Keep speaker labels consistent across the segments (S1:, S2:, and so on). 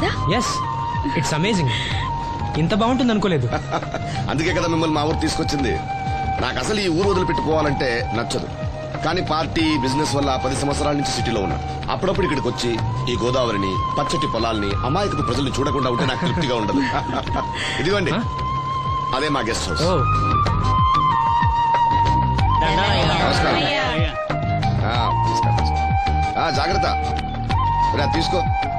S1: కదా?
S2: Yes, it's amazing. ఇంత బాగుంటుంది అనుకోలేదు.
S3: అందుకే కదా మిమ్మల్ని మా ఊరు తీసుకొచ్చింది. నాకు అసలు ఈ ఊరు వదిలిపెట్టుకోవాలంటే నచ్చదు. కానీ పార్టీ బిజినెస్ వల్ల 10 సంవత్సరాల నుంచి సిటీలో ఉన్నా. అప్పుడప్పుడు ఇక్కడికి వచ్చి ఈ గోదావరిని, పచ్చటి పొలాల్ని, అమాయకపు ప్రజల్ని చూడకుండా ఉంటే నాకు తృప్తిగా ఉండదు. ఇదిగోండి, అదే మా గెస్ట్ హౌస్. నమస్కారం. జాగ్రత్త, తీసుకో.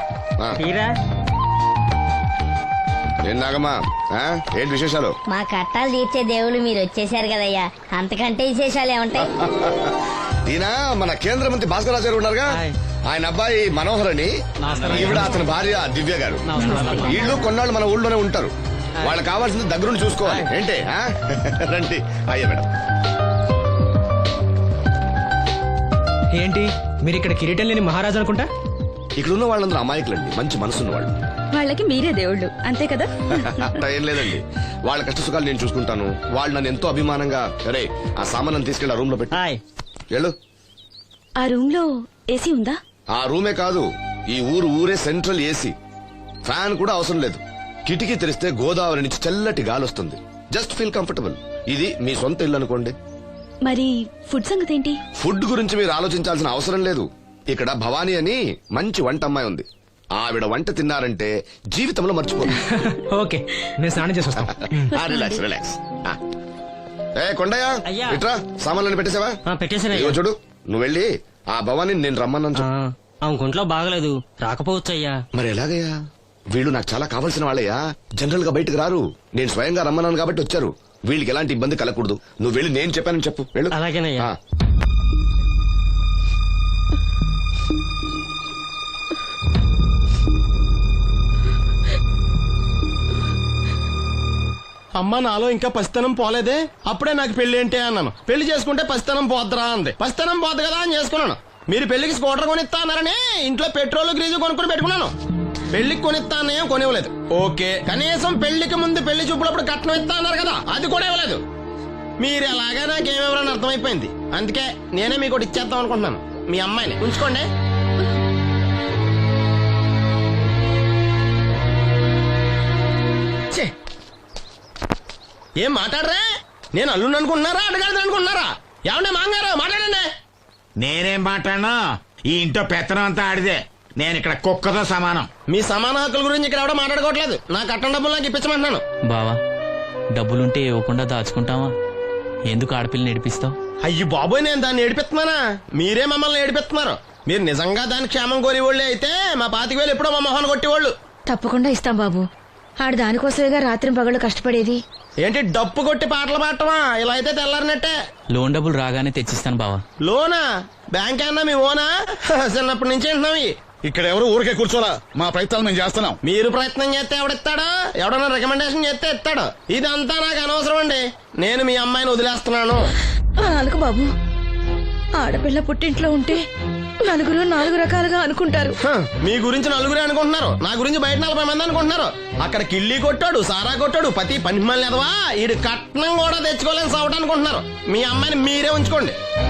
S3: ఏం నాగమ్మా, ఏంటి విశేషాలు?
S4: మా కట్టాలు తీర్చే దేవుళ్ళు మీరు వచ్చేసారు కదయ్యా, అంతకంటే విశేషాలు ఏముంటాయి?
S3: ఈయన మన కేంద్ర మంత్రి భాస్కర్ రాజు గారు ఉన్నారుగా, ఆయన అబ్బాయి మనోహర్ అని, ఈవిడ అతని భార్య దివ్య గారు. వీళ్ళు కొన్నాళ్ళు మన ఊళ్ళోనే ఉంటారు. వాళ్ళకి కావాల్సింది దగ్గరుండి చూసుకోవాలి. ఏంటి రండి. అయ్యా మేడం.
S2: ఏంటి మీరు ఇక్కడ కిరీటం లేని మహారాజు అనుకుంటా?
S3: ఇక్కడ ఉన్న వాళ్ళందరూ అమాయకులండి, మంచి మనసున్న వాళ్ళు.
S1: వాళ్ళకి మీరే దేవుళ్ళు, అంతే కదా?
S3: అట్లా ఏం లేదండి, వాళ్ళ కష్ట సుఖాలు నేను చూసుకుంటాను. వాళ్ళు నన్ను ఎంతో అభిమానంగా, అరే ఆ సామాన్ తీసుకెళ్ళి ఆ రూమ్ లో పెట్టి వెళ్ళు.
S1: ఆ రూమ్ లో ఏసీ ఉందా?
S3: ఆ రూమే కాదు, ఈ ఊరే సెంట్రల్ ఏసీ. ఫ్యాన్ కూడా అవసరం లేదు. కిటికీ తెరిస్తే గోదావరి నుంచి చల్లటి గాలి వస్తుంది. Just feel comfortable. ఇది మీ సొంత ఇల్లు అనుకోండి.
S1: మరి ఫుడ్ సంగతి ఏంటి?
S3: ఫుడ్ గురించి మీరు ఆలోచించాల్సిన అవసరం లేదు. ఇక్కడ భవానీ అని మంచి వంట అమ్మాయి ఉంది. ఆవిడ వంట తిన్నారంటే జీవితంలో మర్చిపోదు.
S2: ఓకే, నేను స్నానం చేసి వస్తాను.
S3: Relax relax. కొండయ్య, ఇట్రా, సామాన్లను పెట్టేసావా?
S5: పెట్టేసాను.
S3: చూడు, నువ్వు వెళ్ళి ఆ భవానీ నేను రమ్మన్నాను.
S5: ఆమె ఒంట్లో బాగలేదు, రాకపోవచ్చు అయ్యా.
S3: మరి ఎలాగయ్యా? వీళ్ళు నాకు చాలా కావాల్సిన వాళ్ళయ్యా. జనరల్ గా బయటకు రారు. నేను స్వయంగా రమ్మన్నాను కాబట్టి వచ్చారు. వీళ్ళకి ఎలాంటి ఇబ్బంది కలగకూడదు. నువ్వు వెళ్ళి నేను చెప్పానని చెప్పు. వెళ్ళు.
S5: అలాగేనయ్యా.
S6: అమ్మ, నాలో ఇంకా పసితనం పోలేదే. అప్పుడే నాకు పెళ్లి ఏంటి అన్నాను. పెళ్లి చేసుకుంటే పసితనం పోద్దురా అంది. పసితనం పోద్దు కదా అని చేసుకున్నాను. మీరు పెళ్లికి స్కూటర్ కొనిస్తా అన్నారని ఇంట్లో పెట్రోల్ గ్రీజు కొనుక్కుని పెట్టుకున్నాను. పెళ్లికి కొనిస్తా అన్నయం కొనివ్వలేదు. ఓకే, కనీసం పెళ్లికి ముందు పెళ్లి చూపులప్పుడు కట్నం ఇస్తా అన్నారు కదా, అది కూడా ఇవ్వలేదు. మీరు ఎలాగా నాకేమెవరని అర్థమైపోయింది. అందుకే నేనే మీకు ఒకటి ఇచ్చేద్దాం అనుకుంటున్నాను. మీ అమ్మాయిని ఉంచుకోండి. ఏం మాట్లాడరా? నేను అల్లుండి అనుకుంటున్నారా, అడగాలి అనుకుంటున్నారా? ఏమన్నా మాంగారు మాట్లాడండి.
S7: నేనేం మాట్లాడను, ఈ ఇంట్లో పెత్తనం అంతా ఆడిదే. నేను ఇక్కడ కుక్కతో సమానం.
S6: మీ సమాన హక్కుల గురించి ఇక్కడ ఎవడో మాట్లాడుకోవట్లేదు. నా కట్టం డబ్బులు నాకు ఇప్పించమంటున్నాను.
S8: బావా, డబ్బులుంటే ఇవ్వకుండా దాచుకుంటావా? ఎందుకు ఆడపిల్లని ఏడిపిస్తావు?
S6: అయ్యి బాబోయ్, నేను దాన్ని ఏడిపిస్తున్నానా? మీరే మమ్మల్ని ఏడిపిస్తున్నారు. మీరు నిజంగా దాని క్షేమం కోరేవాళ్ళే అయితే మా 25,000 ఎప్పుడో మా మొహాన్ని కొట్టేవాళ్ళు.
S1: తప్పకుండా ఇస్తాం బాబు. ఆడు దానికోసమేగా రాత్రి పగళ్ళు కష్టపడేది.
S6: ఏంటి డప్పు కొట్టి పాటలు పాడటమా? ఇలా అయితే తెల్లారినట్టే.
S8: లోన్ డబ్బులు రాగానే తెచ్చిస్తాను బావా.
S6: లోనా? బ్యాంక్ అన్నా మీ ఓనా? చిన్నప్పటి నుంచి వింటున్నాం.
S9: ఇక్కడ ఎవరు ఊరికే కూర్చోరా, మా ప్రయత్నాలు మేము చేస్తున్నాం.
S6: మీరు ప్రయత్నం చేస్తే ఎవడిస్తాడా? ఎవడన్నా రికమెండేషన్ చేస్తే ఇస్తాడు. ఇదంతా నాకు అనవసరం అండి. నేను మీ అమ్మాయిని వదిలేస్తున్నాను.
S1: అనుకు బాబు, ఆడపిల్ల పుట్టింట్లో ఉంటే నలుగురు 4 రకాలుగా అనుకుంటారు.
S6: మీ గురించి నలుగురే అనుకుంటున్నారు, నా గురించి బయట 40 మంది అనుకుంటున్నారు. అక్కడ కిళ్ళి కొట్టాడు, సారా కొట్టాడు, పతి పని మళ్ళీ ఎదవా, ఈడు కట్నం కూడా తెచ్చుకోలేని సవట అనుకుంటున్నారు. మీ అమ్మాయిని మీరే ఉంచుకోండి.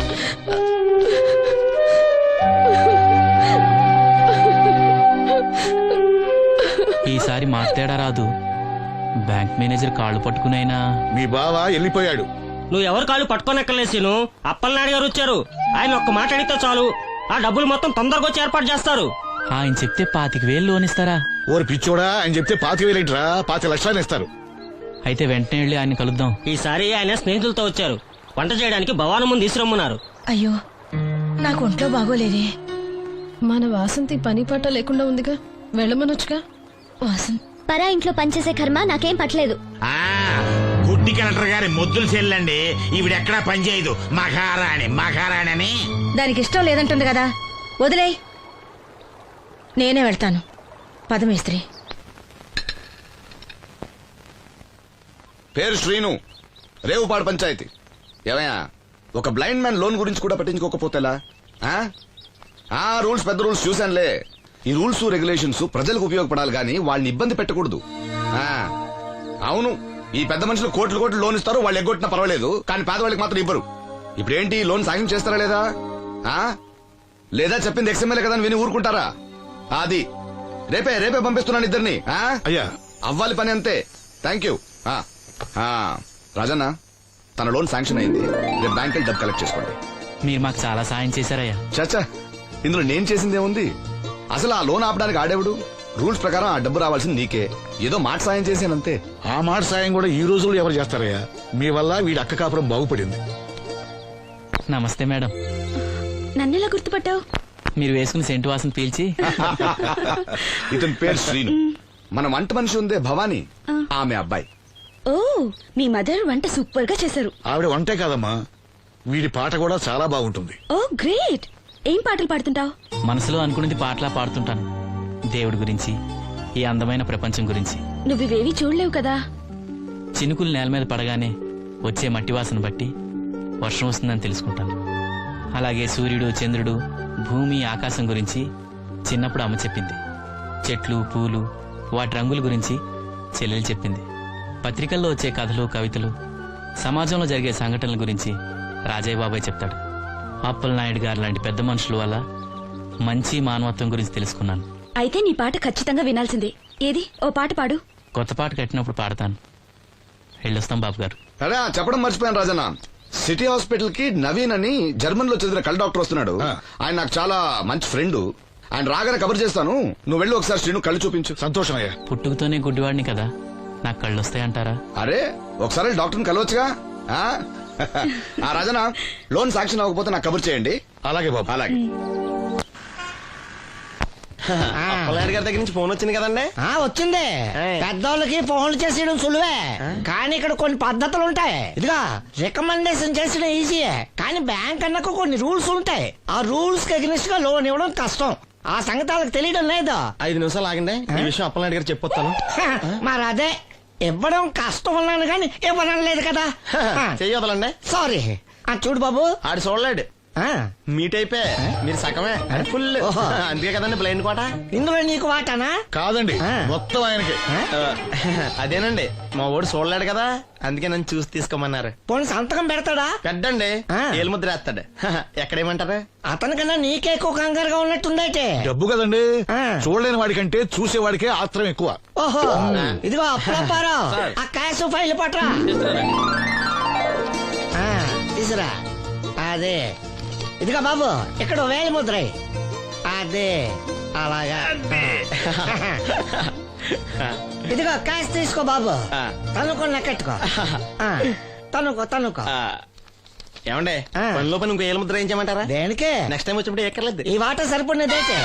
S8: ఈసారి మాట్లాడా రాదు. బ్యాంక్ మేనేజర్ కాళ్ళు పట్టుకునైనా.
S9: మీ బావ వెళ్ళిపోయాడు.
S5: నువ్వు ఎవరు కాళ్ళు పట్టుకోనెక్కలేసిను. అప్పలనాయుడు గారు వచ్చారు. ఆయన ఒక్క మాట అడిగితే చాలు, ఆ డబ్బులు మొత్తం తొందరగా వచ్చి ఏర్పాటు చేస్తారు.
S8: ఆయన చెప్తే 25,000 లోన్ ఇస్తారా?
S9: ఓరి పిచ్చోడా, ఆయన చెప్తే 25,000 5 లక్షలు ఇస్తారు.
S8: అయితే వెంటనే వెళ్ళి ఆయన కలుద్దాం.
S5: ఈసారి ఆయన స్నేహితులతో వచ్చారు. వంట చేయడానికి భవానం ముందు తీసురమ్మన్నారు.
S1: అయ్యో, నాకు ఒంట్లో బాగోలేదే.
S10: మన వాసంతి పని పట్ట లేకుండా ఉందిగా, వెళ్ళమనొచ్చుగా.
S1: వాసంత్
S4: పరా ఇంట్లో పనిచేసే కర్మ నాకేం పట్టలేదు.
S7: గుడ్డి కలెక్టర్ గారి ముద్దులు చెల్లండి. ఈవిడెక్కడా పనిచేయదు. మహారాణి మహారాణి అని.
S1: దానికి ఇష్టం లేదంటుంది కదా, వదిలేయ్. నేనే వెళ్తాను. పదమేస్త్రి.
S3: పేరు శ్రీను, రేవుపాడు పంచాయతీ. ఏమయ్యా, ఒక బ్లైండ్ మ్యాన్ లోన్ గురించి కూడా పట్టించుకోకపోతేలా? రూల్స్ పెద్ద రూల్స్ చూశానులే. ఈ రూల్స్ రెగ్యులేషన్స్ ప్రజలకు ఉపయోగపడాలి గానీ వాళ్ళని ఇబ్బంది పెట్టకూడదు. అవును, ఈ పెద్ద మనుషులు కోట్లు లోన్ ఇస్తారు. వాళ్ళు ఎగ్గొట్టినా పర్వాలేదు, కానీ పేదవాళ్ళకి మాత్రం ఇవ్వరు. ఇప్పుడేంటి, లోన్ సాయం చేస్తారా లేదా? లేదా చెప్పింది ఎక్స్ఎంఎల్ఏ కదా అని విని ఊరుకుంటారా? అది రేపే పంపిస్తున్నాను ఇద్దరిని.
S9: అయ్యా
S3: అవ్వాలి పని అంతే. Thank you. రాజన్న, తన లోన్ శాంక్షన్ అయింది. రేపు బ్యాంక్ వెళ్ళి డబ్బు కలెక్ట్ చేసుకోండి.
S8: మీరు మాకు చాలా సాయం చేశారయ్యా.
S3: చచ్చా, ఇందులో నేను చేసిందేముంది? అసలు ఆ లోన్ ఆపడానికి ఆడేవుడు? రూల్స్ ప్రకారం ఆ డబ్బు రావాల్సింది నీకే. ఏదో మాట సాయం చేశానంతే.
S9: ఆ మాట సాయం కూడా ఈ రోజుల్లో ఎవరు చేస్తారయ్యా? మీ వల్ల వీడి అక్క కాపురం బాగుపడింది.
S8: నమస్తే మేడం.
S1: నన్నెలా గుర్తుపట్టావు?
S8: మీరు వేసుకున్న సెంటు వాసన పీల్చి
S3: ఇతని పేరు శ్రీను. మన వంట మనిషి ఉందే భవానీ, ఆమె అబ్బాయి.
S1: ఓ, మీ మదర్ వంట సూపర్ గా చేశారు.
S9: ఆవిడ వంటే కాదమ్మా, వీడి పాట కూడా చాలా బాగుంటుంది.
S1: Oh great. ఏం పాటలు పాడుతుంటావు?
S8: మనసులో అనుకున్నది పాటలా పాడుతుంటాను. దేవుడి గురించి, ఈ అందమైన ప్రపంచం గురించి.
S1: నువ్వివేవి చూడలేవు కదా.
S8: చినుకులు నేల మీద పడగానే వచ్చే మట్టి వాసన బట్టి వర్షం వస్తుందని తెలుసుకుంటాను. అలాగే సూర్యుడు, చంద్రుడు, భూమి, ఆకాశం గురించి చిన్నప్పుడు అమ్మ చెప్పింది. చెట్లు, పూలు, వాటి రంగుల గురించి చెల్లెలు చెప్పింది. పత్రికల్లో వచ్చే కథలు, కవితలు, సమాజంలో జరిగే సంఘటనల గురించి రాజయ్య బాబాయ్ చెప్తాడు. అప్పలనాయుడు గారు లాంటి పెద్ద మనుషుల వల్ల మంచి మానవత్వం గురించి తెలుసుకున్నాను.
S1: అయితే నీ పాట ఖచ్చితంగా వినాల్సిందే. ఏది, ఓ పాట పాడు.
S8: కొత్త పాట కట్టినప్పుడు పాడతాను. వెళ్ళొస్తాం బాబు గారు.
S3: అరే, చెప్పడం మర్చిపోయాను రాజన్న. సిటీ హాస్పిటల్ కి నవీన్ అని జర్మన్ లో చదివిన కళ్ళ డాక్టర్ వస్తున్నాడు. ఆయన నాకు చాలా మంచి ఫ్రెండ్. ఆయన రాగానే కబర్ చేస్తాను. నువ్వు వెళ్ళి ఒకసారి శ్రీను కళ్ళు చూపించు.
S9: సంతోషం అయ్యా.
S8: పుట్టుకతోనే గుడ్డివాడిని కదా, నాకు కళ్ళు వస్తాయంటారా?
S3: అరే, ఒకసారి డాక్టర్ని కలవచ్చుగా. రాజన్న, లోన్ శాంక్షన్ అవ్వకపోతే నాకు కబుర్ చేయండి.
S9: అలాగే బాబు.
S3: అలాగే.
S6: అప్పలనాయుడు గారి దగ్గర నుంచి ఫోన్ వచ్చింది కదండి.
S11: వచ్చింది. పెద్దోళ్ళకి ఫోన్లు చేసేయడం సులువే, కానీ ఇక్కడ కొన్ని పద్ధతులు ఉంటాయి. ఇదిగా రికమెండేషన్ చేసడం ఈజీయే, కానీ బ్యాంక్ అన్నకు కొన్ని రూల్స్ ఉంటాయి. ఆ రూల్స్ కి అగ్నిస్ట్ గా లోన్ ఇవ్వడం కష్టం. ఆ సంగతి వాళ్ళకి తెలియడం లేదు.
S6: 5 నిమిషాలు ఆగండి, ఈ విషయం అప్పలనాయుడు గారు చెప్పొస్తాను.
S11: మరి అదే ఇవ్వడం కష్టం అన్నాను కానీ ఇవ్వడం లేదు కదా.
S6: చెయ్యొదలండి.
S11: సారీ. చూడు బాబు,
S6: ఆడు చూడలేడు. మీట్ అయిపోయి మీరు సగమే ఫుల్. అందుకే కదండి బ్లైండ్ కోట.
S11: ఇందులో నీకు వాటానా?
S9: కాదండి, మొత్తం ఆయనకి.
S6: అదేనండి, మా ఓడు చూడలేడు కదా, అందుకే నన్ను చూసి తీసుకోమన్నారు.
S11: పోనీ సంతకం పెడతాడా?
S6: పెద్దండి, ఏలు ముద్ర వేస్తాడు. ఎక్కడేమంటారు?
S11: అతనికన్నా నీకే ఎక్కువ కంగారుగా ఉన్నట్టుందైతే.
S9: డబ్బు కదండి, చూడలేని వాడికంటే చూసేవాడికే ఆత్రం ఎక్కువ.
S11: ఓహో, ఇదిగో అప్పుడప్పారో, ఆ క్యాష్ ఫైల్ పట్రా. తీసురా. అదే, ఇదిగో బాబు, ఇక్కడ వేలి ముద్ర. అదే, అలాగా. ఇదిగో క్యాష్ తీసుకో బాబు. తనుకో, లెక్కెట్టుకో. తనుకో.
S6: ఏమండే, పనిలో పని ఇంకో ఏలు ముద్ర ఏం చేయమంటారా?
S11: దేనికే?
S6: నెక్స్ట్ టైం వచ్చినప్పుడు ఎక్కర్లేదు.
S11: ఈ వాట సరిపడినదైతే.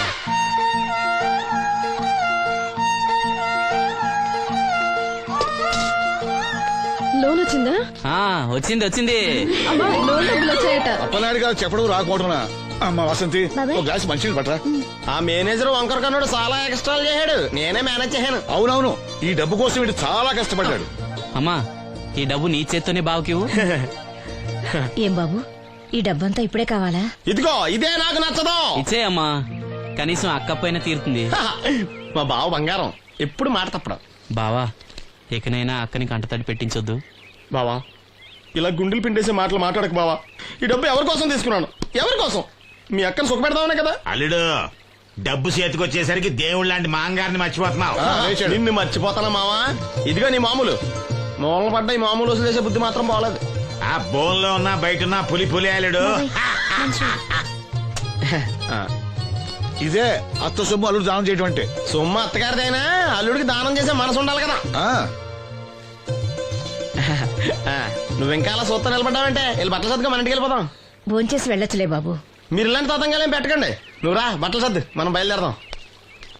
S10: లోన్ వచ్చిందా?
S8: వచ్చింది.
S10: అమ్మా, లోన్ డబ్బులు వచ్చాయట.
S9: అప్పలనాయుడు గారు చెప్పడం రాకపోవడం. అమ్మ వసంతి, ఒక గ్లాస్ మంచినీళ్ళు పట్టరా.
S6: ఆ మేనేజర్ వంకర కన్నాడు, చాలా ఎక్స్ట్రాలు చేశాడు. నేనే మేనేజ్ చేశాను.
S9: అవునవును, ఈ డబ్బు కోసం వీడు చాలా కష్టపడ్డాడు.
S8: అమ్మా, ఈ డబ్బు నీ చేత్తోనే బావుకివు.
S1: ఏం బాబు, ఈ డబ్బంతా ఇప్పుడే కావాలా?
S6: ఇదిగో, ఇదే నాకు నచ్చదు.
S8: ఇచ్చే అమ్మా, కనీసం అక్కపైన తీరుతుంది.
S6: మా బావ బంగారం, ఎప్పుడు మాట తప్పడం.
S8: బావా, ఇకనైనా అక్కని కంటతడి పెట్టించొద్దు.
S6: బావా, ఇలా గుండెలు పిండేసే మాటలు మాట్లాడక బావా. ఈ డబ్బు ఎవరి కోసం తీసుకున్నాను? ఎవరి కోసం? మీ అక్కని సుఖపెడదామనే కదా.
S7: అల్లుడు, డబ్బు చేతికొచ్చేసరికి దేవుడు లాంటి మాంగారిని మర్చిపోతున్నావు.
S6: నిన్ను మర్చిపోతానా మావా? ఇదిగో నీ మామూలు మూలన పడ్డ ఈ మామూలు వసూలు చేసే బుద్ధి మాత్రం బాగలేదు.
S7: ఆ బోన్లో ఉన్నా బయట ఉన్నా పులి అల్లుడు.
S9: ఇదే అత్త సొమ్ము అల్లుడు దానం చేయటం అంటే.
S6: సొమ్ము అత్తగారిదైనా అల్లుడికి దానం చేసే మనసు ఉండాలి కదా. నువ్వు ఇంకా అలా సూత్తా నిలబడ్డావంటే వెళ్ళి బట్టలు సర్దుగా మన ఇంటికి వెళ్ళిపోదాం.
S1: భోంచేసి వెళ్ళొచ్చులే బాబు.
S6: మీరు ఇలాంటి తతంగాలేం పెట్టకండి. నువ్వు రా, బట్టలు సర్దు, మనం బయలుదేరదాం.